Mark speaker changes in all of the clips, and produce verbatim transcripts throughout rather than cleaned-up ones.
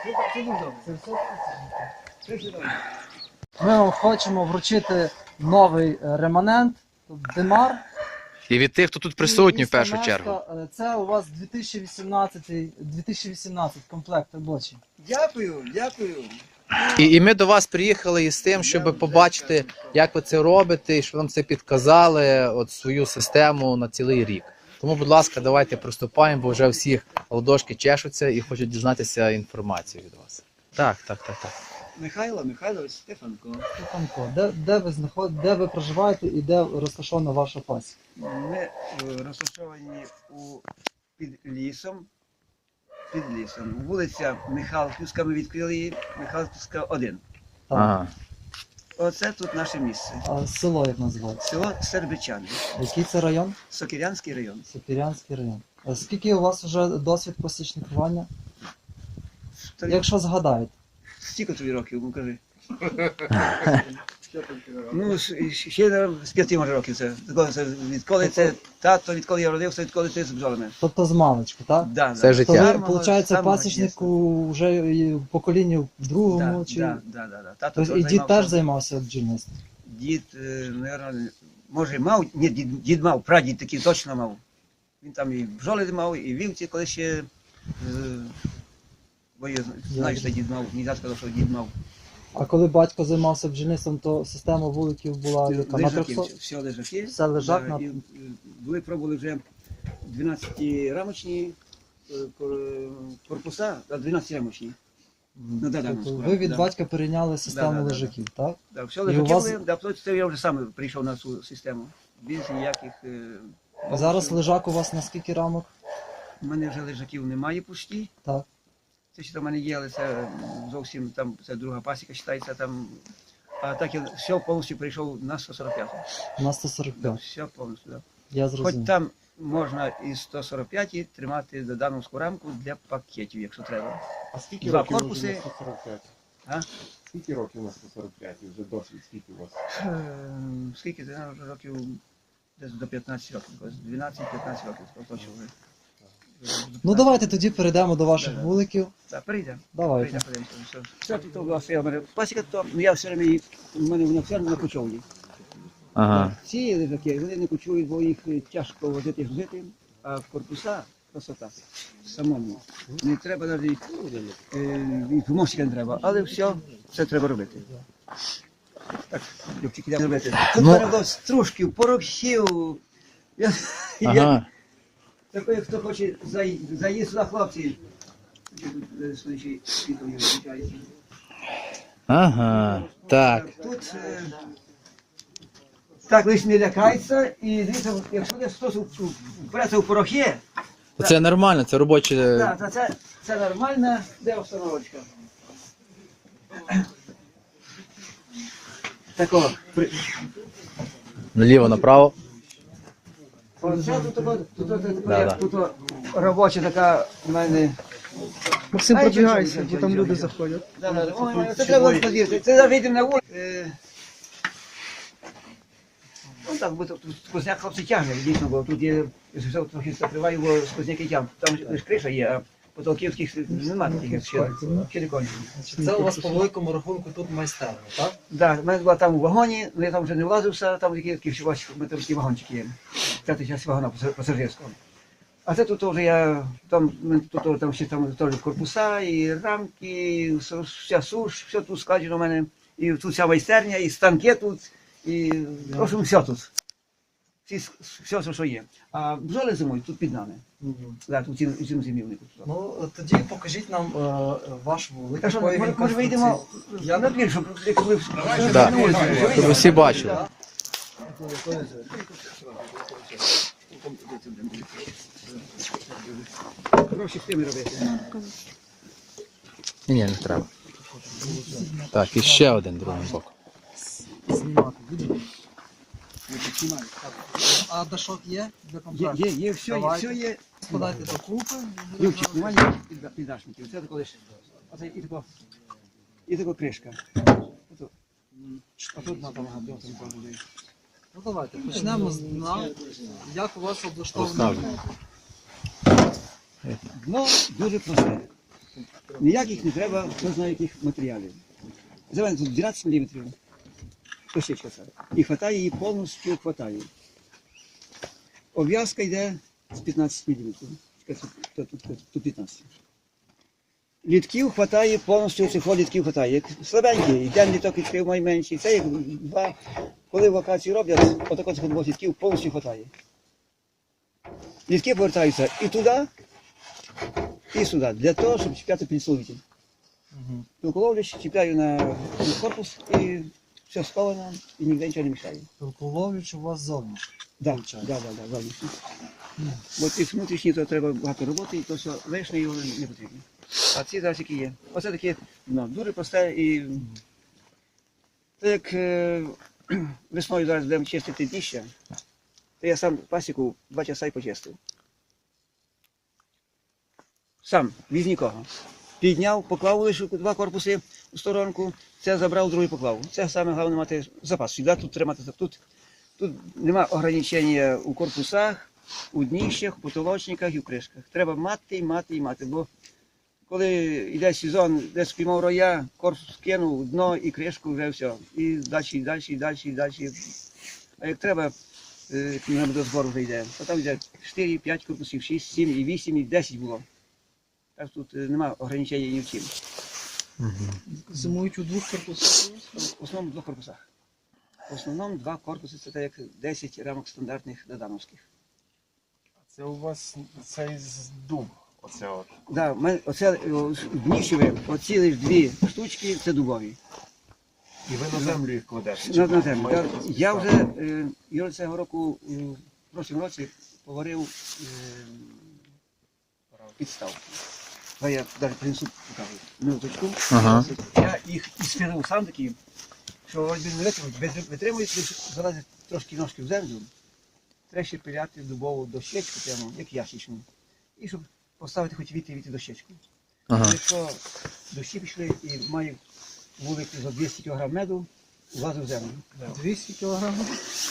Speaker 1: Ми вам хочемо вручити новий реманент, тут Демар.
Speaker 2: І від тих, хто тут присутній в першу
Speaker 1: Місто
Speaker 2: чергу.
Speaker 1: Мешка. Це у вас дві тисячі вісімнадцятий, дві тисячі вісімнадцятий комплект робочий.
Speaker 3: Дякую, дякую.
Speaker 2: І, і ми до вас приїхали із тим, щоб побачити, як ви це робите, і щоб нам це підказали, от свою систему на цілий рік. Тому, будь ласка, давайте приступаємо, бо вже всіх ладошки чешуться і хочуть дізнатися інформацію від вас. Так, так, так, так.
Speaker 3: Михайло Михайлович Стефанко.
Speaker 1: Стефанко, де, де, ви знаход... де ви проживаєте і де розташована ваша пасіка?
Speaker 3: Ми е, розташовані у під лісом. Під лісом. Вулиця Михайлівська, ми відкрили її, Михайлівська один.
Speaker 1: Так.
Speaker 2: Ага.
Speaker 3: Оце тут наше місце.
Speaker 1: А село як називається?
Speaker 3: Село Сербичани,
Speaker 1: Який це район?
Speaker 3: Сокирянський район.
Speaker 1: Сокирянський район. А скільки у вас вже досвід посічникування?
Speaker 3: Та
Speaker 1: Якщо згадаєте.
Speaker 3: Скільки тобі років, ну кажи. Ну, з- ще наверно, з п'яти може років це. Відколи це. Відколи це тато, відколи я родився, відколи ти з бджолами.
Speaker 1: Тобто з маличку, так?
Speaker 3: Да,
Speaker 2: Все
Speaker 3: да.
Speaker 2: життя.
Speaker 1: То ви,
Speaker 3: Самого-
Speaker 1: виходить,
Speaker 3: самого
Speaker 1: пасічнику вже і в поколінні в другому
Speaker 3: Да,
Speaker 1: чи.
Speaker 3: да, да, да, да. Тато
Speaker 1: Тобто і
Speaker 3: теж
Speaker 1: дід
Speaker 3: займався.
Speaker 1: теж займався бджільництвом.
Speaker 3: Дід, е, наверно, може мав, ні, дід, дід мав, прадід такий точно мав. Він там і бджоли мав, і вівці, коли ще, е, бо я знаю, що дід мав, не сказав, що дід мав.
Speaker 1: А коли батько займався бджільництвом, то система вуликів була яка? На
Speaker 3: Лежаки,
Speaker 1: трьохсот?
Speaker 3: все лежаки.
Speaker 1: Все лежак
Speaker 3: Да,
Speaker 1: на-
Speaker 3: і, е, були, пробували вже дванадцятирамочні е, кор- корпуса, а дванадцятирамочні. Ну, да, да,
Speaker 1: Тобто
Speaker 3: ну,
Speaker 1: ви від
Speaker 3: да.
Speaker 1: батька перейняли систему
Speaker 3: Да, да, да,
Speaker 1: лежаків, так?
Speaker 3: Да, все
Speaker 1: І у
Speaker 3: лежаки
Speaker 1: вас-
Speaker 3: були, да, потім це я вже сам прийшов на цю систему. Без ніяких... е,
Speaker 1: Зараз
Speaker 3: бонусів.
Speaker 1: лежак у вас на скільки рамок?
Speaker 3: У мене вже лежаків немає пусті.
Speaker 1: Так.
Speaker 3: Це ще в мене є, але це зовсім там, це друга пасіка вважається там. А так я все повністю прийшов на сто сорок п'ять.
Speaker 1: На сто сорок
Speaker 3: Да,
Speaker 1: п'ять.
Speaker 3: все повністю, да.
Speaker 1: Я
Speaker 3: Хоч
Speaker 1: зрозумів.
Speaker 3: там можна і сто сорок п'ять тримати додановську рамку для пакетів, якщо треба.
Speaker 4: А скільки
Speaker 3: Два
Speaker 4: років
Speaker 3: корпуси.
Speaker 4: вже на сто сорок п'ять?
Speaker 3: А?
Speaker 4: Скільки років на сто сорок п'ять? Вже досвід, скільки у вас?
Speaker 3: Ем, Скільки це вже років? Десь до п'ятнадцяти років, якось дванадцять-п'ятнадцять років точно вже.
Speaker 1: Ну давайте тоді перейдемо до ваших
Speaker 3: Да, да.
Speaker 1: вуликів.
Speaker 3: Так, перейдемо.
Speaker 1: Давайте.
Speaker 3: Прийдемо, подивимося, все. Все тут була своя в мене пасіка, то ну, я все время її, у мене вона все на кочовні.
Speaker 2: Ага.
Speaker 3: Ці лежаки, вони не кочують, бо їх е, тяжко возити і грузити, а в корпуса красота. Самому. Не треба навіть е, і помощника не треба, але все, все треба робити. Так, Любчик, йдемо робити. Тут
Speaker 2: Ну.
Speaker 3: в мене було стружків, порохів. Я, я,
Speaker 2: Ага.
Speaker 3: такий, хто хоче заї- заїзд сюди, хлопці. Тут, е, сонячний світло є, виключається.
Speaker 2: Ага. Так.
Speaker 3: Тут е, так лиш не лякається, і дивіться, якщо десь хтось вбереться у порохи,
Speaker 2: Це нормально, це робоче.
Speaker 3: так, то це, це нормальна де обстановочка. Тако, при...
Speaker 2: Наліво, направо.
Speaker 3: Оце тут, тут, тут, тут,
Speaker 2: Да,
Speaker 3: як тут робоча така в мене.
Speaker 1: Максим,
Speaker 3: Ай,
Speaker 1: пробігайся,
Speaker 3: чого,
Speaker 1: бо
Speaker 3: чого,
Speaker 1: там
Speaker 3: чого,
Speaker 1: люди
Speaker 3: чого.
Speaker 1: заходять.
Speaker 3: Да, да, да. Ой, це треба було подивитися. Це зараз вийдемо на вулицю. Е, Ну так, бо тут сквозняк хлопці тягне, дійсно, бо тут є, все трохи закриваю, бо сквозняки тягнуть. Там лише криша є, а потолківських немає таких ще, ще не кончено.
Speaker 1: Це у вас по великому рахунку тут майстерня, так?
Speaker 3: Да, в мене була там у вагоні, але я там вже не влазився, там такі такі всі ваші металічні вагончики є. П'ятий час вагона пасажирського. А це тут вже я, там, тут, там ще там теж корпуса, і рамки, і вся суш, все тут складено у мене. І тут вся майстерня, і станки тут, і в общем, все тут. Всі, все, що є. А бджоли зимують тут під нами. Да, тут цим, цим зимівнику. тут.
Speaker 1: Ну тоді покажіть нам е, ваш вулик.
Speaker 3: Так що,
Speaker 1: якої
Speaker 3: може,
Speaker 1: він
Speaker 3: може вийдемо
Speaker 1: конструкції.
Speaker 3: на двір, щоб як ви
Speaker 2: Да.
Speaker 3: на вулицю, щоб
Speaker 2: Щоб усі бачили.
Speaker 3: гроші з тими робити.
Speaker 2: Ні, ні, не треба. Так, і ще один другий бок.
Speaker 1: Знімати будемо. А дашок є для
Speaker 3: Є,
Speaker 1: комплекту?
Speaker 3: є, є, все, є,
Speaker 1: Давайте.
Speaker 3: все є.
Speaker 1: Складайте докупи.
Speaker 3: Любчик, немає ніяких підда- піддашників. Це тако лише. Оце і тако, і тако кришка. Ото. А тут на там гадо, там кожен.
Speaker 1: Ну давайте, почнемо з дна. Як у вас облаштовано?
Speaker 2: Розказуй.
Speaker 3: Дно дуже просте. Ніяких не треба, хто знає яких матеріалів. За мене тут дванадцять міліметрів. Дощечка ця. І хватає її, повністю хватає. Обв'язка йде з п'ятнадцять міліметрів. Тут, тут, тут, тут п'ятнадцять. Літків хватає, повністю цих літків хватає. Як слабенький, йде літок відкрив найменший. Це як два, коли вакації роблять, отако цих двох літків повністю хватає. Літки повертаються і туди, і сюди, для того, щоб чіпляти підсловитель.
Speaker 1: Угу.
Speaker 3: Пилколовлюсь, чіпляю на, на корпус і все сховано, і ніде нічого не мішає.
Speaker 1: Пилколовлюч у вас зовні.
Speaker 3: Да,
Speaker 1: Виходить.
Speaker 3: да, да, да, зовнішні. Бо ці внутрішні, то треба багато роботи, і то все лишнє його не потрібно. А ці зараз які є. Оце таке, ну, дуже просте і так як е, весною зараз будемо чистити дніща, то я сам пасіку два часа і почистив. Сам, без нікого. Підняв, поклав лише два корпуси у сторонку, це забрав, другий поклав. Це саме головне мати запас. Сюди тут тримати. Тут, тут нема ограничення у корпусах, у дніщах, у потолочниках і в кришках. Треба мати, мати і мати. Бо коли йде сезон, десь спіймав роя, корпус кинув, дно і кришку, вже все. І далі, і далі, і далі, і далі. А як треба, коли до збору вже йде, то там йде чотири, п'ять корпусів, шість, сім, і вісім, і десять було. Так тут немає ограничення ні в чим.
Speaker 1: Зимують у двох корпусах?
Speaker 3: В основному в двох корпусах. В основному два корпуси це так як десять рамок стандартних додановських.
Speaker 4: Це у вас цей з дуб. Оце от.
Speaker 3: Да, в мене оце дніщове, оці лише дві штучки, це дубові.
Speaker 4: І ви на землю їх кладете?
Speaker 3: На, на землю. Я, я вже е, я цього року, е, в прошлому році, поварив е, підставку. А я навіть принесу, покажу, минуточку.
Speaker 2: Ага.
Speaker 3: Я їх ісфірив сам такі, що вроді не витримують, без- витримують, лише залазять трошки ножки в землю. Треба ще пиляти дубову дощечку, прямо, як ящичну. І щоб поставити хоч віти віти дощечку.
Speaker 2: Ага.
Speaker 3: Якщо дощі пішли і маю вулики за двісті кілограм меду, влазив в землю.
Speaker 1: двісті кілограмів?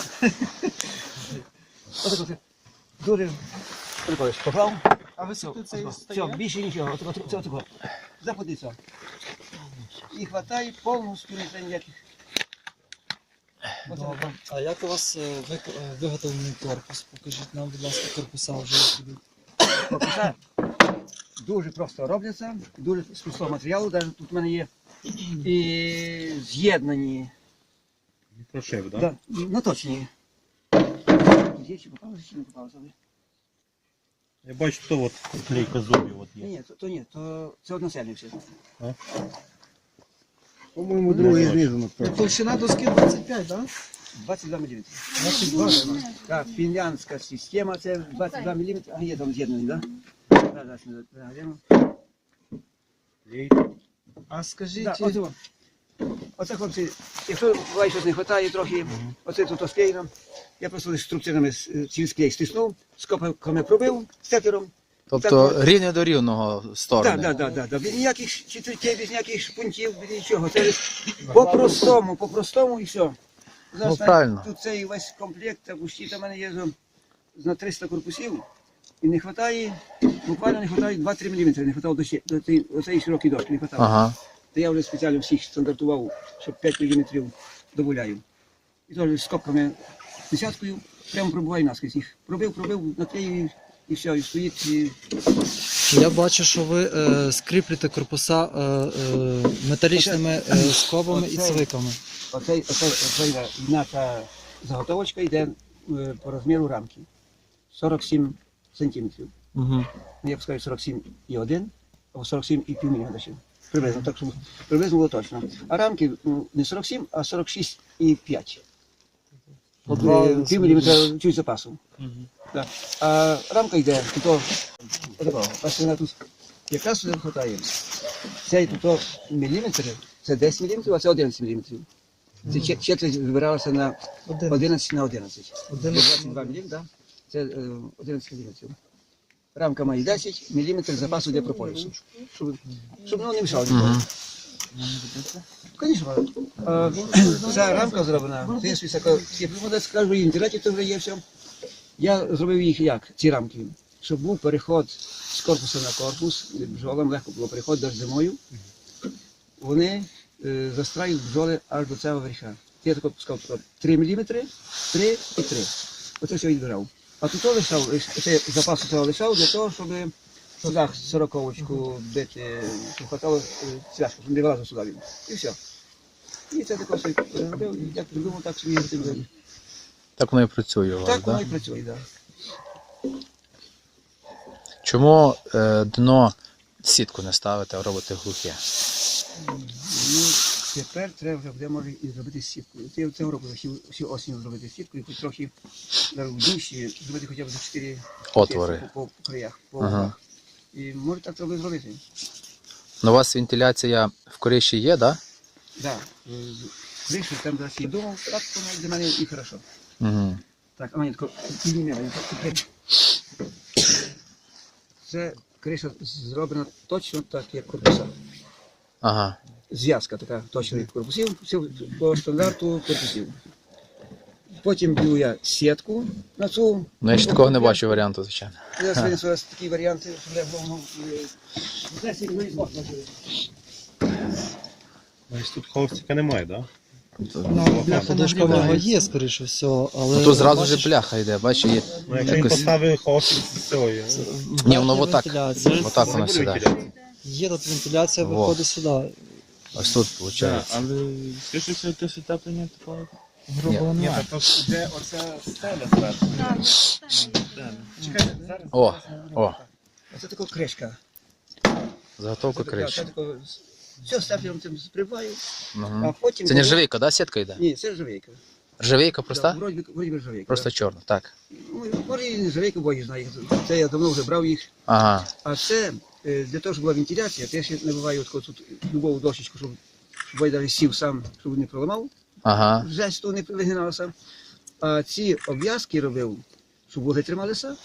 Speaker 3: Отак оце. Дуже прикольно. Поклав.
Speaker 1: А високо це
Speaker 3: Все,
Speaker 1: стає?
Speaker 3: більше нічого. Отак, отак, це отако. Заходиться. І хватає повністю, не треба ніяких. Оце
Speaker 1: Добре. А як у вас е, вик- е, виготовлений корпус? Покажіть нам, будь ласка, корпуса вже як ідуть.
Speaker 3: корпуса дуже просто робляться, дуже з простого матеріалу. Навіть тут в мене є і з'єднані.
Speaker 4: Мікрошип, так?
Speaker 3: Да, наточні. Є чи попалося, чи не попалося?
Speaker 5: Я бачу, то от клейка зубів от
Speaker 3: Ні,
Speaker 5: є.
Speaker 3: ні, то, то ні, то це односельні всі.
Speaker 4: По-моєму, другий знизу напевно.
Speaker 1: Толщина доски двадцять п'ять, так?
Speaker 3: двадцять два міліметри.
Speaker 1: двадцять два.
Speaker 3: Так, фінляндська система, це двадцять два міліметри. А є там з'єднані, так? Да? Да, зараз ми заглянемо.
Speaker 1: А скажіть,
Speaker 3: Да, оце, во. Оце, хлопці, якщо буває щось не вистачає трохи, оце тут склеєно, я просто лише струбцинами ці склей стиснув, скопами пробив степлером.
Speaker 2: Тобто рівня до рівного сторони.
Speaker 3: Так, так, так, так. Без ніяких чітків, без ніяких шпунтів, без нічого. Це лише по-простому, по-простому і все.
Speaker 2: Ну, правильно.
Speaker 3: Тут цей весь комплект, та пусті, там в мене є за- на триста корпусів, і не вистачає, буквально не вистачає два-три міліметри, не вистачало до, ще- до цієї- оцеї широкої дошки, не вистачало.
Speaker 2: Ага.
Speaker 3: То я вже спеціально всіх стандартував, щоб п'ять міліметрів доволяю. І теж з копками десяткою прямо пробуваю наскрізь їх. Пробив, пробив, наклеїв і все, і стоїть. І...
Speaker 1: Я бачу, що ви е, скріплюєте корпуса е, е, металічними е, скобами і
Speaker 3: оце-
Speaker 1: цвиками.
Speaker 3: Оцей, оцей, оцей наша заготовочка йде е, по розміру рамки. сорок сім сантиметрів.
Speaker 1: Угу.
Speaker 3: Ну, я б сказав сорок сім і один, або сорок сім і пів міліметра. ще. Приблизно, так щоб приблизно було точно. А рамки ну, не сорок сім, а сорок шість і п'ять.
Speaker 1: По два
Speaker 3: Е, Пів міліметра чуть запасу.
Speaker 1: Угу.
Speaker 3: Да. А рамка йде, то отакого. Бачите, вона тут якраз сюди вистачає. Цей тут міліметр, це десять міліметрів, а це одинадцять міліметрів. Це чет- четверть вибиралася на
Speaker 1: Один.
Speaker 3: одинадцять на одинадцять.
Speaker 1: Один.
Speaker 3: двадцять два міліметри, да? Це е, одинадцять міліметрів. Рамка має десять міліметрів запасу для прополісу. Щоб, щоб воно не мішало ніколи.
Speaker 2: Мгм.
Speaker 3: Звісно, ця рамка зроблена, в принципі, скажу, і в інтернеті то вже є все. Я зробив їх як, ці рамки. щоб був переход з корпусу на корпус, бджолам легко було переход навіть зимою, вони е, застраюють бджоли аж до цього верха. Я тако пускав три міліметри, три і три. Оце все відбирав. А тут лишав, це запасу цього лишав для того, щоб сюди сороковочку бити, щоб хватало цвяшку, щоб не вилазив сюди він. І все. І це тако собі робив, і як придумав, так собі робив.
Speaker 2: Так воно і працює у вас,
Speaker 3: Так воно
Speaker 2: да?
Speaker 3: і працює, так.
Speaker 2: Чому е, дно сітку не ставите, а робите глухе?
Speaker 3: Ну, тепер треба вже буде, може, і зробити сітку. Це цього року всю, всю осінь зробити сітку, і хоч трохи в душі зробити хоча б за чотири
Speaker 2: Отвори.
Speaker 3: по, по, по краях, по
Speaker 2: Ага.
Speaker 3: углах. І може так треба зробити.
Speaker 2: Ну, у вас вентиляція в коріші є, так?
Speaker 3: Так, кришу там зараз і думав, так воно для мене і хорошо.
Speaker 2: Да? Угу.
Speaker 3: Так, а мені тако підніме, мені тако. Це криша зроблена точно так, як корпуса.
Speaker 2: Ага.
Speaker 3: Зв'язка така точно від корпусів, все по стандарту корпусів. Потім б'ю я сітку на цю.
Speaker 2: Ну, я ще такого не бачу варіанту, звичайно.
Speaker 3: Я сьогодні зараз такі варіанти, що я головно.
Speaker 5: Ось тут холстика немає, так?
Speaker 1: Ну, бляха подушка в нього є, скоріше всього, але...
Speaker 2: Ну, тут зразу
Speaker 1: бачиш,
Speaker 2: вже бляха йде, бачиш, є.
Speaker 5: Ну, якщо він
Speaker 2: Якось-
Speaker 5: поставив холстик з цього.
Speaker 2: Ні, воно отак.
Speaker 1: вентиляція.
Speaker 2: Отак воно сюди.
Speaker 1: Є тут вентиляція,
Speaker 2: Во.
Speaker 1: виходить сюди.
Speaker 2: Ось тут виходить.
Speaker 4: Але скажи, що ти утеплення такого?
Speaker 1: Грубо
Speaker 4: Ні,
Speaker 1: немає.
Speaker 4: так то де оця стеля зверху. Чекайте, зараз.
Speaker 2: О, о,
Speaker 3: Це така кришка.
Speaker 2: заготовка криші.
Speaker 3: Все, степлером цим сприваю, а
Speaker 2: Угу.
Speaker 3: потім...
Speaker 2: Це не ржавійка, да, сітка йде?
Speaker 3: Ні, це ржавейка.
Speaker 2: Ржавійка
Speaker 3: Да,
Speaker 2: проста?
Speaker 3: вроді, би- вроді би ржавейка.
Speaker 2: Просто чорна, так.
Speaker 3: Ну, може і не ржавейка, бо я знаю. Це я давно вже брав їх.
Speaker 2: Ага.
Speaker 3: А це е, для того, щоб була вентиляція, то я ще набиваю от тут любову дощечку, щоб, щоб я навіть сів сам, щоб не проламав.
Speaker 2: Ага.
Speaker 3: Жесть, то не вигиналося. А ці обв'язки робив, щоб вуги трималися.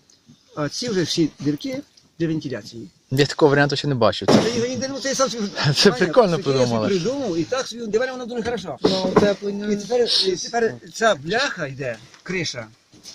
Speaker 3: А ці вже всі дірки для вентиляції.
Speaker 2: Я такого варіанту ще не бачив.
Speaker 3: Та його ніде, ну, це сам собі-
Speaker 2: Це
Speaker 3: Ваня,
Speaker 2: прикольно
Speaker 3: таке я собі
Speaker 2: придумали.
Speaker 3: придумав, і так собі, для мене воно дуже хорошо.
Speaker 1: Ну, утеплення...
Speaker 3: І тепер, і тепер ця бляха йде, криша,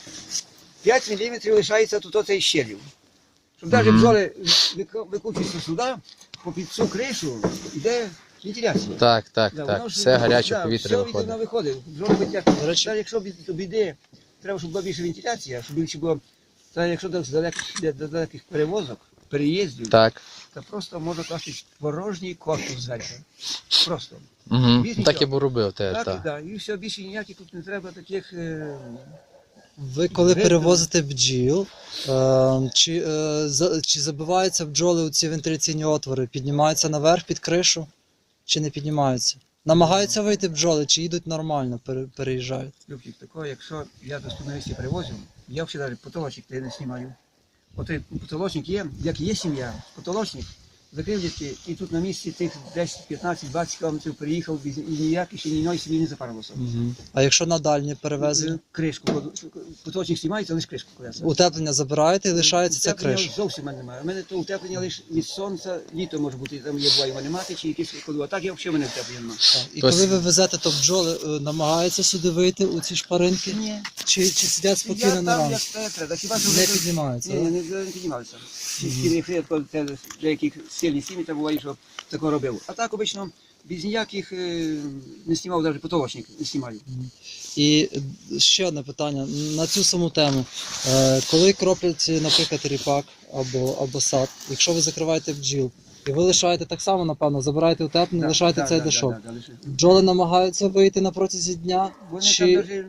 Speaker 3: п'ять міліметрів лишається тут оцей щелів. Щоб навіть
Speaker 2: Мгм.
Speaker 3: бджоли вик- викручуються сюди, попід цю кришу йде вентиляція.
Speaker 2: Так, так,
Speaker 3: Да,
Speaker 2: так.
Speaker 3: воно ж
Speaker 2: Все гаряче
Speaker 3: да,
Speaker 2: повітря
Speaker 3: все
Speaker 2: виходить.
Speaker 3: воно виходить. Бджоли хоч як.
Speaker 1: До речі-
Speaker 3: Та якщо б- до біди, треба, щоб була більше вентиляція, щоб більше було. Та якщо до далеких, для далеких перевозок, переїздів,
Speaker 1: Так.
Speaker 3: то просто можна класти порожній корпус зверху. Просто.
Speaker 2: Угу.
Speaker 3: Більше
Speaker 2: Так я
Speaker 3: нічого.
Speaker 2: б робив теж,
Speaker 3: Так,
Speaker 2: так.
Speaker 3: да, і все, більше ніяких тут не треба таких. Е...
Speaker 1: Ви коли
Speaker 3: Ви-
Speaker 1: перевозите бджіл, е, чи, е, за- чи забиваються бджоли у ці вентиляційні отвори, піднімаються наверх під кришу, чи не піднімаються? Намагаються вийти бджоли, чи їдуть нормально, пере- переїжджають?
Speaker 3: Любчик, такого, якщо я до студентів привозив, я взагалі навіть потолочник я не знімаю. От той потолочник є, як є сім'я, потолочник, закрив дітки, і тут на місці тих десять, п'ятнадцять, двадцять кілометрів приїхав, без- і ніяких ще ні одної сім'ї не запарилося.
Speaker 1: А якщо на дальні перевезення?
Speaker 3: Е, Кришку, кладу. Потолочник знімається, лише кришку кладеться.
Speaker 1: Утеплення забираєте і лишається ця
Speaker 3: Утеплення
Speaker 1: криша.
Speaker 3: Зовсім в мене немає. У мене то утеплення лише від сонця, літо може бути, там є буває мене мати, чи якісь кладу. А так я взагалі в мене утеплення немає.
Speaker 1: І
Speaker 2: Тобто-
Speaker 1: коли ви везете, то бджоли е, намагаються сюди вийти у ці шпаринки?
Speaker 3: Ні.
Speaker 1: Чи, чи сидять
Speaker 3: Я
Speaker 1: спокійно
Speaker 3: там,
Speaker 1: на ранку?
Speaker 3: як те треба. Хіба що
Speaker 1: Не
Speaker 3: вони-
Speaker 1: піднімаються?
Speaker 3: Ні,
Speaker 1: да?
Speaker 3: ні, не, не піднімалися. Якщо це деяких сильні сім'ї, то буває, що такого робив. А так обично без ніяких е, не знімав, навіть потолочник не знімаю.
Speaker 1: І е, ще одне питання на цю саму тему. Е, Коли кроплять, наприклад, ріпак або, або сад, якщо ви закриваєте бджіл, і ви лишаєте так само, напевно, забираєте утеплення,
Speaker 3: Да,
Speaker 1: лишаєте
Speaker 3: да,
Speaker 1: цей
Speaker 3: да,
Speaker 1: дешок.
Speaker 3: да, да, лише.
Speaker 1: Бджоли намагаються вийти на протязі дня,
Speaker 3: Вони
Speaker 1: чи,
Speaker 3: там даже,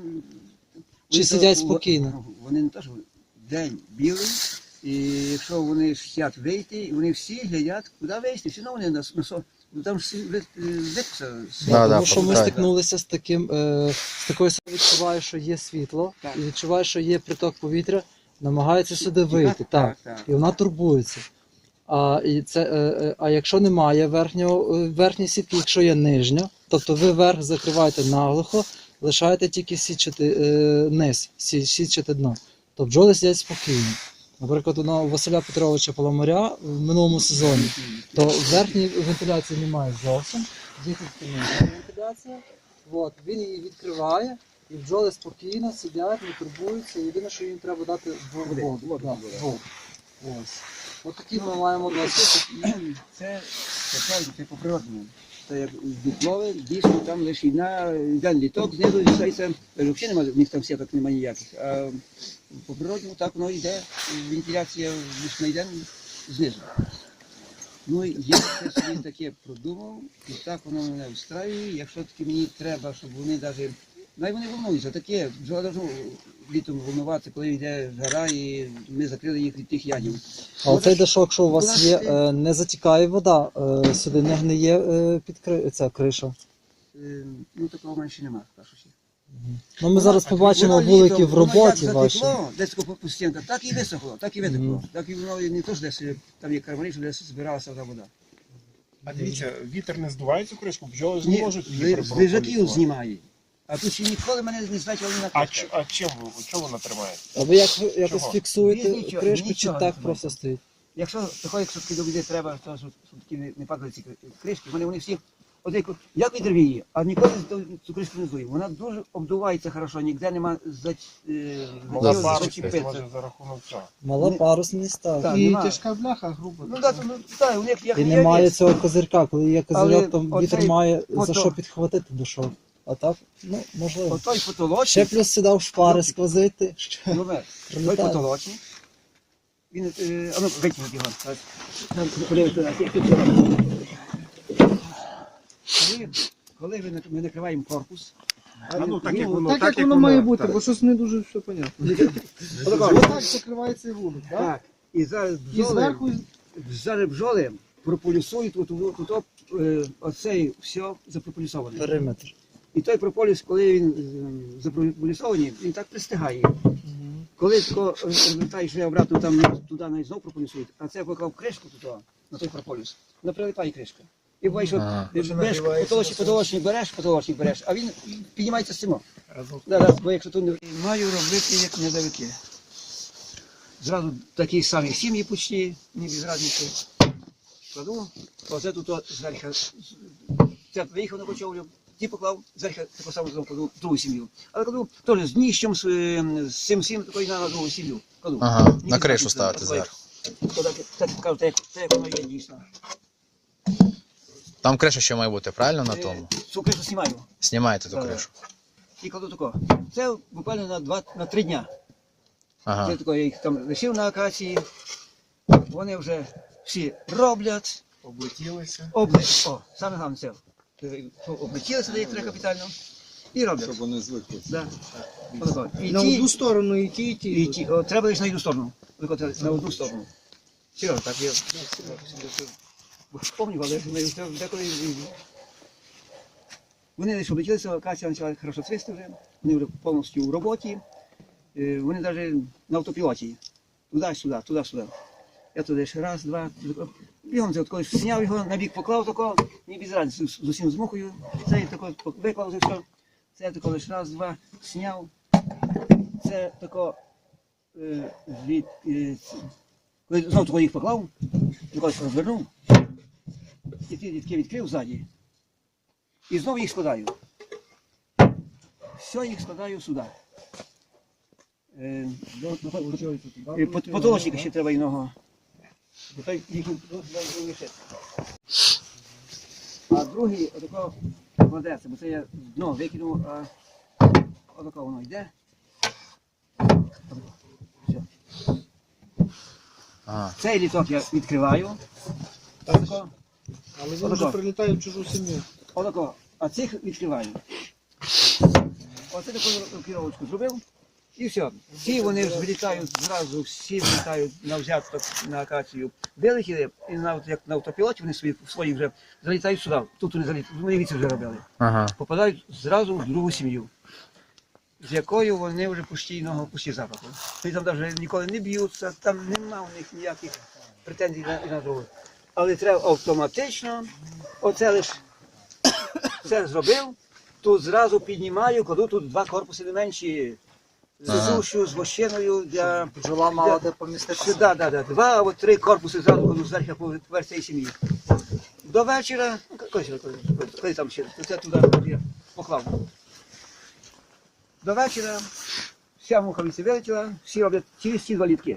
Speaker 1: чи
Speaker 3: вони
Speaker 1: сидять
Speaker 3: то-
Speaker 1: спокійно?
Speaker 3: Вони не теж день білий, і якщо вони хочуть вийти, вони всі глядять, куди вийти, все одно вони на, на со- ну, там ж виписа.
Speaker 2: Да, да,
Speaker 1: Тому що ми
Speaker 2: пам'ятаю.
Speaker 1: стикнулися з таким, е, з такою самою, відчуваю, що є світло,
Speaker 3: Так.
Speaker 1: і відчуваю, що є приток повітря, намагається сюди вийти. Так.
Speaker 3: так.
Speaker 1: І вона турбується. А, і це, е, е, а якщо немає верхнього, е, верхньої сітки, якщо є нижня, тобто ви верх закриваєте наглухо, лишаєте тільки січати, е, низ, сі- січати дно, то бджоли сидять спокійно. Наприклад, у на- у Василя Петровича Паламаря в минулому сезоні, то верхньої вентиляції немає зовсім, є тільки нижня вентиляція. От, він її відкриває, І бджоли спокійно сидять, не турбуються. Єдине, що їм треба дати в-
Speaker 3: Води.
Speaker 1: воду.
Speaker 3: Воду,
Speaker 1: Да,
Speaker 3: воду.
Speaker 1: воду. Ось. От такі ми маємо досвід.
Speaker 3: Це, це правильно, це по-природному. Це як дуплове, дійсно там лише на один літок, знизу лишається, взагалі немає, в них там сіток немає ніяких. А по-природному так воно йде, вентиляція лише на йде знизу. Ну, я це собі таке продумав, і так воно мене устраює. Якщо таки мені треба, щоб вони навіть, най вони волнуються, таке, бджола должна літом волнуватися, коли йде жара, і ми закрили їх від тих ядів.
Speaker 1: А оцей дашок, що у вас є, е, не затікає вода, е, сюди не гниє е, під кри... ця криша.
Speaker 3: Е, Ну, такого менше немає, кажу ще.
Speaker 1: Ну, ми зараз побачимо
Speaker 3: Воно
Speaker 1: вулики
Speaker 3: літом,
Speaker 1: в
Speaker 3: воно
Speaker 1: роботі
Speaker 3: як
Speaker 1: вашій.
Speaker 3: затекло, десь по по стінках, так і висохло, так і витекло.
Speaker 1: Мгм.
Speaker 3: Так і воно не то, що десь там є кармани, що десь збиралася та вода.
Speaker 4: А дивіться, вітер не здуває цю кришку, бджоли ж
Speaker 3: Ні,
Speaker 4: не можуть
Speaker 3: з
Speaker 4: вітер
Speaker 3: з лежаків
Speaker 4: прополісувати.
Speaker 3: знімає. А тут ще ніколи мене не значили на
Speaker 4: А,
Speaker 3: кришках.
Speaker 4: ч- а чим ви, чого вона тримає?
Speaker 1: А ви як ви якось
Speaker 4: Чого?
Speaker 1: фіксуєте
Speaker 3: Ні, нічого,
Speaker 1: кришку, чи
Speaker 3: нічого
Speaker 1: так
Speaker 3: не
Speaker 1: просто стоїть?
Speaker 3: Якщо такої, якщо таки до води треба, то щоб, щоб таки не, не падали ці кри- кришки, вони, вони всі, от як, як вітер віє, а ніколи з- цю кришку не здує. Вона дуже обдувається хорошо, ніде нема за, е,
Speaker 4: Мала
Speaker 3: за-
Speaker 4: парусність,
Speaker 3: зачепитися.
Speaker 4: може за рахунок цього.
Speaker 1: Мала
Speaker 3: Ні.
Speaker 1: парусність, так.
Speaker 3: Так,
Speaker 6: І
Speaker 3: нема.
Speaker 6: тяжка бляха, грубо.
Speaker 3: Ну так, ну, так, у них як
Speaker 1: І
Speaker 3: не
Speaker 1: немає
Speaker 3: є.
Speaker 1: цього козирка, коли є
Speaker 3: Але
Speaker 1: козирьок, то вітер
Speaker 3: оцей
Speaker 1: має за
Speaker 3: ото-
Speaker 1: що підхватити душок. А так, ну, можливо.
Speaker 3: Отой потолочник,
Speaker 1: Ще плюс сюди в шпари сквозити. що
Speaker 3: ну, вер, той
Speaker 1: прилітає.
Speaker 3: потолочник, він, е, а ну, викинуть його. так. Там, подивіться, як тут зробили. Коли, коли ми нак- ми накриваємо корпус,
Speaker 4: А ну так як
Speaker 6: Ну,
Speaker 4: воно,
Speaker 6: так, як воно має бути,
Speaker 4: так.
Speaker 6: бо щось не дуже все понятно.
Speaker 3: отако,
Speaker 6: Отак закривається і вулик, так?
Speaker 3: так, і зараз
Speaker 6: І
Speaker 3: бджоли,
Speaker 6: зверху
Speaker 3: зараз бджоли прополісують, от, от, от, от, е, оцей все запрополісоване.
Speaker 1: Периметр.
Speaker 3: І той прополіс, коли він е, запрополісований, він так пристигає. Коли тако розвертаєш його обратно там туди навіть знов прополісують, а це поклав кришку туди, на той прополіс, вона прилипає кришка. І буваєш, що
Speaker 2: Ага.
Speaker 3: береш потолочник, потолочник береш, потолочник береш, а він піднімається з цим. Да, да, бо якщо тут не маю робити як недавики. Зразу такі самі сім'ї почти, ні без разниці. Кладу, оце тут от зверху, це виїхав на кочовлю, ті поклав, зверху таку саму знову кладу другу сім'ю. Але кладу теж з дніщем, з, е, з цим всім, такої на другу сім'ю. Кладу.
Speaker 2: Ага,
Speaker 3: Ні
Speaker 2: на
Speaker 3: без
Speaker 2: кришу
Speaker 3: разниці,
Speaker 2: ставити
Speaker 3: от
Speaker 2: зверху.
Speaker 3: то так, так кажу, так, як- так як воно є дійсно.
Speaker 2: Там криша ще має бути, правильно на тому?
Speaker 3: Е, Цю кришу знімаю.
Speaker 2: Знімаєте ту
Speaker 3: Так.
Speaker 2: кришу.
Speaker 3: І кладу тако. Це буквально на два, на три дня.
Speaker 2: Ага.
Speaker 3: Це тако, я їх там лишив на акації. Вони вже всі роблять,
Speaker 4: Облетілися.
Speaker 3: обли... О, саме головне це. Е, Облетілися до їх треба капітально і роблять.
Speaker 7: Щоб вони звикли.
Speaker 3: Да. Отако. І
Speaker 6: на
Speaker 3: ті,
Speaker 6: одну сторону і ті, і ті.
Speaker 3: і ті. О, треба лише на одну сторону. Отако треба на одну сторону. Серйозно, так я пам'ятаю, але ми вже деколи. і- Вони лише облетілися, акація почала хорошо цвісти вже. Вони вже повністю в роботі. Е, Вони навіть на автопілоті. Туди-сюди, туди-сюди. Я туди ще раз, два, бігом це коли зняв його, на бік поклав тако, ні без разниці, з з усім змухою. Це я тако виклав вже все. Це я тако лише раз, два, зняв. Це тако е, від, е, ц- коли знову тако їх поклав, тако їх розвернув. І ті дітки відкрив ззаді. І знову їх складаю. Все їх складаю сюди. Е, е, пот- Потолочника ще треба іного. Бо той їх лишити. А другий отако кладеться, бо це я дно викинув, а отако воно йде. Отако. Все.
Speaker 2: Ага.
Speaker 3: Цей літок я відкриваю. Отако.
Speaker 6: Але він вже прилітає в чужу сім'ю.
Speaker 3: Отако. А цих відкриваю. Оце таку керовочку зробив. І все. Всі вони ж вилітають зразу, всі вилітають на взяток на акацію. Вилетіли, і на, як на автопілоті вони свої, свої вже залітають сюди. Тут вони залітають, вони віці вже робили.
Speaker 2: Ага.
Speaker 3: Попадають зразу в другу сім'ю, з якою вони вже постійного пусті запаху. Вони там навіть ніколи не б'ються, там нема у них ніяких претензій на, на другу. Але треба автоматично, оце лише це зробив, тут зразу піднімаю, кладу тут два корпуси не менші. З
Speaker 2: Ага.
Speaker 3: сушю, з вощиною для
Speaker 1: Бджола мала де поміститися.
Speaker 3: Да, да, да. Два або три корпуси зразу кладу зверху по поверх цієї сім'ї. До вечора, ну, коли, коли, коли, коли там ще, то це туди я поклав. До вечора вся муха віці вилетіла, всі роблять через ці два літки.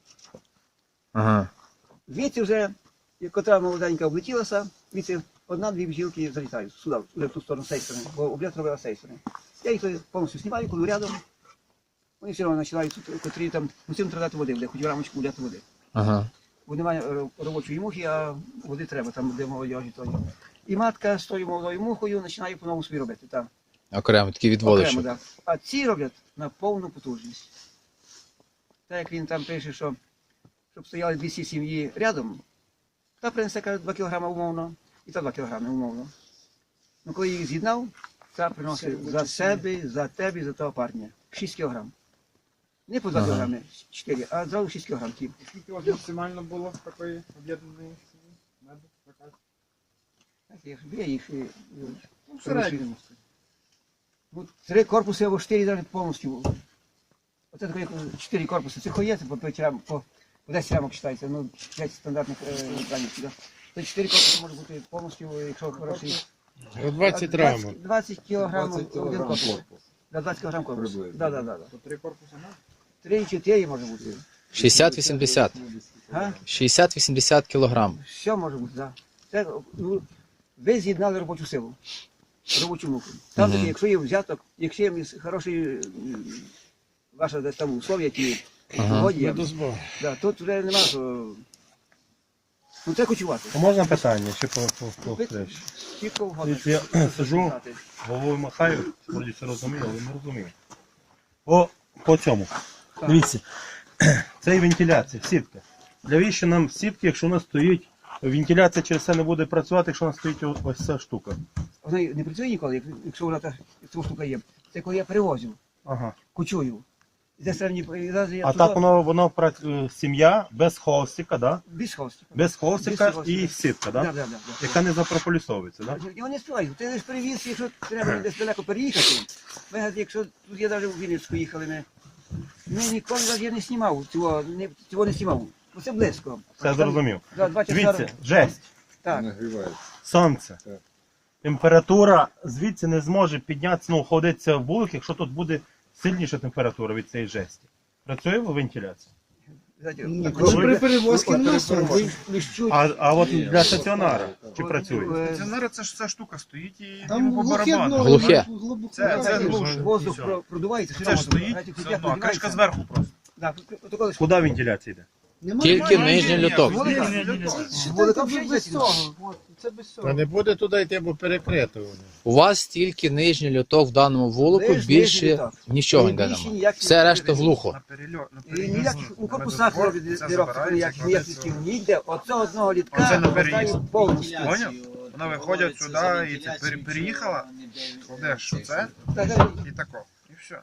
Speaker 2: Ага.
Speaker 3: Звідси вже, як котра молоденька облетілася, звідси одна-дві бджілки залітають сюди, вже в ту сторону, з цієї сторони, бо облет робила з цієї сторони. Я їх тоді повністю знімаю, коли рядом. Вони все одно починають, котрі там, мусимо тратити води, де хоч рамочку вляти води.
Speaker 2: Ага.
Speaker 3: Бо немає ро- робочої мухи, а води треба, там де молодіжі тоді. І матка з тою молодою мухою починає по-новому собі робити. Там.
Speaker 2: Окремо, такі
Speaker 3: Окремо,
Speaker 2: відводичі.
Speaker 3: да. А ці роблять на повну потужність. Так як він там пише, що щоб стояли двісті сім'ї рядом, та принесе каже, два кілограми умовно, і та два кілограми умовно. Ну коли їх з'єднав, та приносить за себе, за тебе, і за того парня. шість кілограм. Не по два
Speaker 2: Ага.
Speaker 3: кілограми, чотири, а зразу шість кілограм. ті.
Speaker 4: Скільки у вас максимально було такої об'єднаної сім'ї? Меду? Така?
Speaker 3: Так, я ж- Я їх е,
Speaker 4: Ну, в середньому.
Speaker 3: ну, три корпуси або чотири навіть повністю. Оце таке чотири корпуси. Це хоєте по п'ять рам, по, по десять рамок читається, ну п'ять стандартних е, екранів сюди. То чотири корпуси може бути повністю, якщо хороший.
Speaker 5: двадцять
Speaker 3: А,
Speaker 5: рамок.
Speaker 3: двадцять кілограмів
Speaker 4: двадцять
Speaker 3: один
Speaker 4: кілограм
Speaker 3: корпус.
Speaker 4: корпус.
Speaker 3: Да, двадцять кілограм корпус.
Speaker 4: Приблизно.
Speaker 3: Да, да, да, да.
Speaker 4: То три корпуси на?
Speaker 3: Три-чотири може бути.
Speaker 2: шістдесят-вісімдесят.
Speaker 3: Га?
Speaker 2: шістдесят-вісімдесят кілограм.
Speaker 3: Все може бути, так. Да. Це, ну, ви з'єднали робочу силу, робочу муку. Там,
Speaker 2: Мгм.
Speaker 3: таки, якщо є взяток, якщо є хороші м, ваша десь там условия, ті
Speaker 2: Ага.
Speaker 3: погоді,
Speaker 5: Медозбор.
Speaker 3: да, тут вже нема що. Ну це кочувати.
Speaker 5: А можна питання? Ще по, по, по,
Speaker 3: Ви
Speaker 5: речі?
Speaker 3: чітко вгодно.
Speaker 5: Я сиджу, головою махаю, вроді все розумію, але не розумію. По, по цьому.
Speaker 3: Так.
Speaker 5: Дивіться, це і вентиляція, сітка. Навіщо нам сітки, якщо у нас стоїть, вентиляція через це не буде працювати, якщо у нас стоїть о- ось ця штука.
Speaker 3: Вона не працює ніколи, як- якщо вона та ця штука є. Це коли я перевозив,
Speaker 5: Ага.
Speaker 3: кочую. Де середні я
Speaker 5: А так воно, воно пра- е, сім'я без холстика, да?
Speaker 3: без хвостика.
Speaker 5: Без холстика
Speaker 3: Без
Speaker 5: і
Speaker 3: холстика.
Speaker 5: сітка,
Speaker 3: Да,
Speaker 5: да?
Speaker 3: да, да, да.
Speaker 5: Яка не запрополісовується, да?
Speaker 3: Його не співають. Ти лиш привіз, якщо треба десь далеко переїхати. Ми, говорить, якщо тут я навіть у Вінницьку їхали, ми, ми ніколи навіть я не знімав, цього не, цього не знімав. Бо це близько.
Speaker 5: Це зрозумів.
Speaker 3: Да, два часа.
Speaker 5: Дивіться, жесть,
Speaker 3: Так.
Speaker 4: Нагрівається.
Speaker 5: сонце.
Speaker 4: Так.
Speaker 5: Температура звідси не зможе піднятися, ну, ходиться в вулик, якщо тут буде сильніша температура від цієї жесті. Працює вентиляція?
Speaker 3: Знаєте,
Speaker 6: Ні,
Speaker 3: так,
Speaker 6: коли
Speaker 3: коли-
Speaker 6: при перевозці
Speaker 3: От,
Speaker 6: нема
Speaker 3: при
Speaker 6: сонця.
Speaker 3: перевозці лиш чуть.
Speaker 5: А, а от для стаціонара чи працює?
Speaker 3: Е,
Speaker 4: Стаціонар це ж ця штука стоїть і
Speaker 6: Там
Speaker 4: йому по
Speaker 6: глухе
Speaker 4: барабану.
Speaker 6: дно,
Speaker 2: Глухе.
Speaker 6: глибоко.
Speaker 4: Це- це
Speaker 6: Глибоко.
Speaker 4: глуше.
Speaker 3: Воздух
Speaker 4: Все.
Speaker 3: про- продувається.
Speaker 4: Це ж стоїть,
Speaker 3: знаєте,
Speaker 4: все
Speaker 3: як
Speaker 4: одно, а кришка
Speaker 3: надівається.
Speaker 4: зверху просто.
Speaker 3: Да, от коли ж-
Speaker 5: Куди вентиляція йде?
Speaker 6: Нема
Speaker 2: Тільки
Speaker 6: немає.
Speaker 2: нижній люток.
Speaker 3: Вулика.
Speaker 6: Считайте,
Speaker 3: Вулика
Speaker 6: без-
Speaker 3: вже
Speaker 6: без
Speaker 3: є.
Speaker 6: цього. От, це без
Speaker 5: А
Speaker 6: цього.
Speaker 5: не буде туди йти, бо перекрито воно.
Speaker 2: У вас тільки нижній люток в даному вулику,
Speaker 3: Лиш нижній
Speaker 2: більше
Speaker 3: люток.
Speaker 2: нічого
Speaker 3: І
Speaker 2: ніде
Speaker 3: більше
Speaker 2: немає.
Speaker 3: ніяких
Speaker 2: Все решта
Speaker 3: перевезень.
Speaker 2: глухо.
Speaker 4: На перельот, на
Speaker 3: І
Speaker 4: переїзд.
Speaker 3: ніяких у корпусах
Speaker 4: Медозбор,
Speaker 3: робить
Speaker 4: це
Speaker 3: дірок,
Speaker 4: забирається,
Speaker 3: ніяких
Speaker 4: кладеться.
Speaker 3: ніяких ніде. Оце одного літка
Speaker 4: Оце на
Speaker 3: хватає
Speaker 4: переїзд.
Speaker 3: повністю.
Speaker 4: Поняв? Вона виходять сюди і це пере- переїхала, кладеш оце
Speaker 3: Так, так,
Speaker 4: і тако. І все.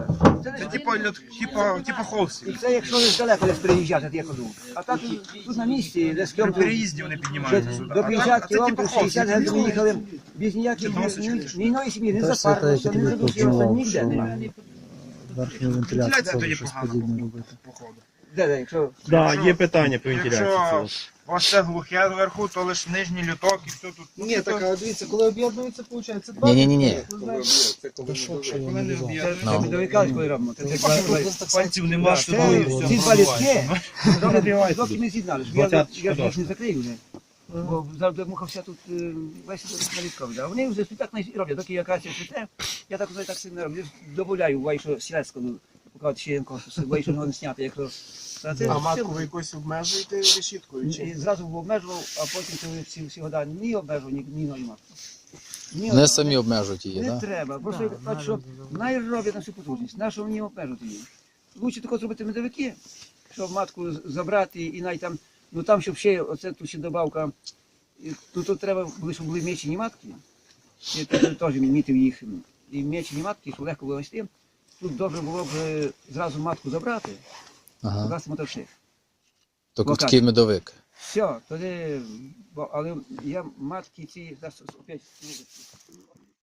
Speaker 3: Це
Speaker 4: Це
Speaker 3: не-
Speaker 4: типа льот- типа, типа
Speaker 3: І
Speaker 4: холстів.
Speaker 3: це якщо десь далеко десь переїжджати, то я ходжу. А так тут на місці, десь
Speaker 4: При
Speaker 3: кілометрів
Speaker 4: переїзді вони піднімаються сюди.
Speaker 3: до
Speaker 4: А так-
Speaker 3: п'ятдесят
Speaker 4: а це типа
Speaker 3: кілометрів, шістдесят
Speaker 4: холстів.
Speaker 3: геть ми їхали без ніяких
Speaker 4: Чи досочки,
Speaker 3: ні-
Speaker 4: чи що?
Speaker 3: ні одної сім'ї, не
Speaker 1: Та ж
Speaker 3: запарилося,
Speaker 1: це
Speaker 3: не
Speaker 1: я
Speaker 3: задушилося,
Speaker 1: тільки
Speaker 3: ніде.
Speaker 1: що-
Speaker 3: немає.
Speaker 1: Верхню
Speaker 4: Вентиляція
Speaker 1: вентиляцію
Speaker 4: тоді
Speaker 1: щось
Speaker 4: погано.
Speaker 1: подібне робити.
Speaker 4: Походу.
Speaker 3: Де, де, якщо
Speaker 5: Да,
Speaker 4: Якщо-
Speaker 5: є питання по
Speaker 4: Якщо
Speaker 5: вентиляції.
Speaker 4: у вас це глухе зверху, то лише нижній люток і все тут.
Speaker 6: Ні, так, а дивіться, коли об'єднується, виходить, два.
Speaker 2: Ні-ні-ні.
Speaker 6: Ви знаєте,
Speaker 1: Та що, що я
Speaker 4: Коли
Speaker 1: не
Speaker 4: не
Speaker 1: знаю.
Speaker 4: об'єднує.
Speaker 2: Ну.
Speaker 3: ми довикались, коли робимо. Це- це- це-
Speaker 4: Пальців нема, що
Speaker 3: Це
Speaker 4: двоє,
Speaker 3: ці
Speaker 4: все
Speaker 3: два літки,
Speaker 5: Перегрівається
Speaker 3: доки
Speaker 5: тут.
Speaker 3: ми з'єднали, щоб я
Speaker 5: Двадцяточка
Speaker 3: я ж їх
Speaker 5: дошка.
Speaker 3: не закрию вже. Бо завжди муха вся тут е, весь на літкові. А вони вже так не роблять, доки якраз цвіте, я так вже так сильно роблю. Добавляю вайшу сільського, поки ще єнко, вайшу його не зняти, якщо. Та це
Speaker 4: А
Speaker 3: все-
Speaker 4: матку ви якось обмежуєте решіткою?
Speaker 3: І
Speaker 4: Чи?
Speaker 3: зразу обмежував, а потім коли всі, всі года ні обмежував, ні, ні ною матку. Ні
Speaker 2: Не
Speaker 3: одного.
Speaker 2: самі обмежують її,
Speaker 3: Не
Speaker 2: так?
Speaker 3: треба, просто так, що найроблять на всю потужність, на що мені обмежувати її. Лучше тако зробити медовики, щоб матку з- забрати і навіть там, ну там, щоб ще, оце тут ще добавка, і тут, тут треба, були, щоб були мечені матки, я теж теж мітив їх, і мечені матки, щоб легко було нести. Тут добре було б е, зразу матку забрати,
Speaker 2: Ага.
Speaker 3: покласти мотовших.
Speaker 2: Тобто такий медовик.
Speaker 3: Все, тоді, бо, але я матки ці, зараз опять,